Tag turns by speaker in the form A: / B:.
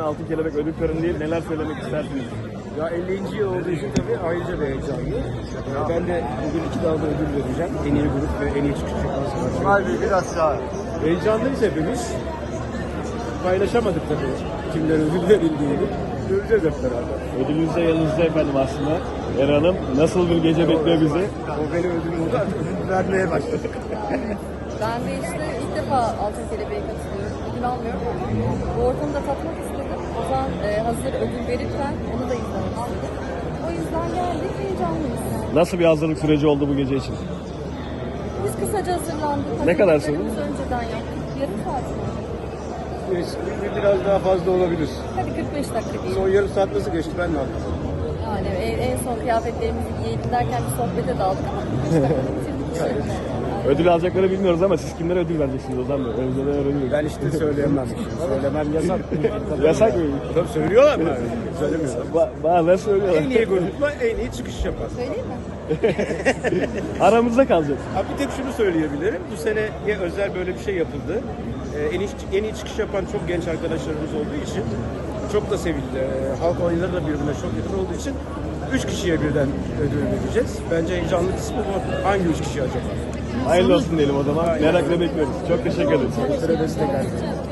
A: Altın Kelebek ödül töreni, neler söylemek istersiniz?
B: Ya 50. yıl olduğu için tabii ayrıca bir heyecanlı. Ben de bugün 2 dalda ödül vereceğim. En iyi grup ve en iyi çıkış yapan sanatçı.
C: Harbi biraz sağ.
B: Heyecanlıyız hepimiz. Paylaşamadık tabii kimler ödül verildiğini. Göreceğiz hep beraber.
A: Ödülünüz de yanınızda efendim aslında. Eren Hanım, nasıl bir gece bekliyor bizi?
B: O benim ödülüm oldu, artık ödül vermeye başladık.
D: Ben de işte ilk defa Altın Kelebek'e katılıyorum. Ödül almıyorum ama bu ortamı da tatmak istedim. O zaman hazır ödül verirken onu da izlemek istedim. O yüzden geldik, heyecanlıyız.
A: Nasıl bir hazırlık süreci oldu bu gece için?
D: Biz kısaca hazırlandık.
A: Ne kadar
D: Hareketlerimizi önceden yaptık. Yarım saat mi?
B: Biraz daha fazla olabilir.
D: Hadi 45 dakika diyelim.
B: Son yarım saat nasıl geçti ben de anlamadım.
D: Yani en son kıyafetlerimizi giyelim derken bir sohbete daldık ama 45 dakika bitirdik.
A: Ödül alacakları bilmiyoruz ama siz kimlere ödül vereceksiniz Ozan Bey? Önceden öğreniyoruz.
B: Ben işte söyleyemem. Söylemem yasak.
A: Yasak mı?
B: Tabii söylüyorlar mı? Söylemiyorlar.
A: Bazen söylüyorlar.
B: En iyi grupla en iyi çıkış yapar.
D: Söyleyeyim mi?
A: Aramızda kalacak.
B: Ha, bir tek şunu söyleyebilirim. Bu seneye özel böyle bir şey yapıldı. En iyi çıkış yapan çok genç arkadaşlarımız olduğu için çok da sevildi. Halk oyunları da birbirine çok yakın olduğu için 3 kişiye birden ödül vereceğiz. Bence heyecanlı kısmı bu. Hangi 3 kişi acaba?
A: Hayırlı olsun diyelim o zaman. Merakla bekliyoruz. Çok teşekkür ederim.
B: Süre destek